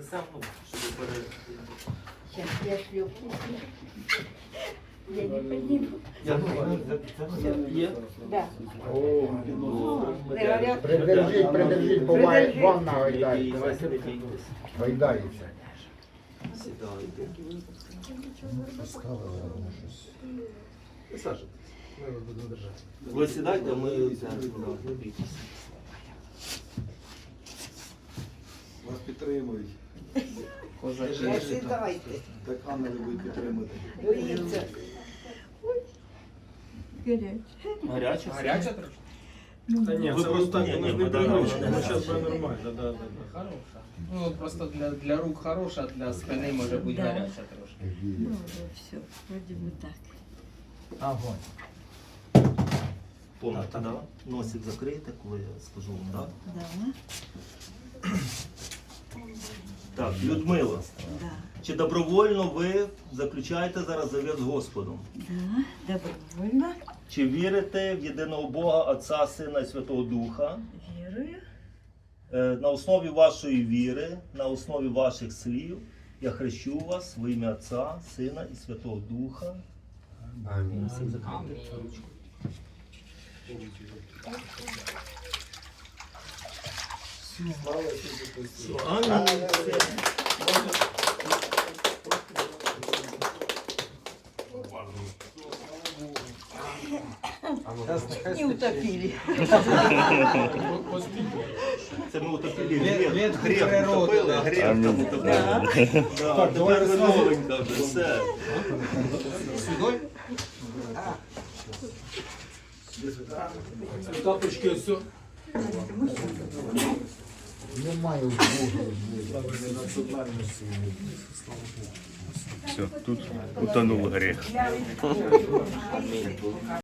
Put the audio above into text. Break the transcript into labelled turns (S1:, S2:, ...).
S1: Сам, щоб пере...
S2: Сейчас я шлепну. Я не подниму.
S1: Є?
S2: Да.
S3: Придержіть, бо вам нагайдається. Гайдається.
S1: Сідайте. Саша, ви сідайте, а ми не бійтесь.
S4: Вас підтримують.
S2: Сідайте.
S4: Так ангели будуть підтримувати.
S2: Боїться.
S1: Гаряче?
S5: Гаряча трошки?
S6: Та ні,
S1: Ви
S6: це
S1: просто-
S6: ось так,
S1: ні,
S6: воно ж
S1: ні,
S6: не
S1: да,
S6: привично,
S1: да,
S6: воно
S1: да,
S6: зараз
S1: да,
S6: буде
S1: да.
S6: нормально, да.
S5: Хороша. Ну, просто для рук хороша, для спини може бути
S2: Да.
S5: гаряча трошки.
S2: Ну, все, вроде бы так.
S3: Огонь.
S1: Помните, да? Носик закрийте, коли я скажу вам, так?
S2: Да,
S1: Так, Людмила,
S2: да,
S1: чи добровольно ви заключаєте зараз завіт з Господом?
S2: да, добровольно
S1: Чи вірите в єдиного Бога, Отця, Сина і Святого Духа?
S2: верую.
S1: На основі вашої віри, на основі ваших слів, я хрещу вас в ім'я Отця, Сина і Святого Духа. Амінь. Всі закрийте ручку. Амінь.
S2: Не утопили.
S1: Це ми утопили
S5: Від
S1: гріх.
S5: природи,
S1: Утопили,
S5: да.
S1: гріх там утопили. Да, тепер ви новенька вже, все.
S5: Сюди?
S6: Тапочки ось.
S3: Немає в Бога.
S7: Все, тут утонул грех.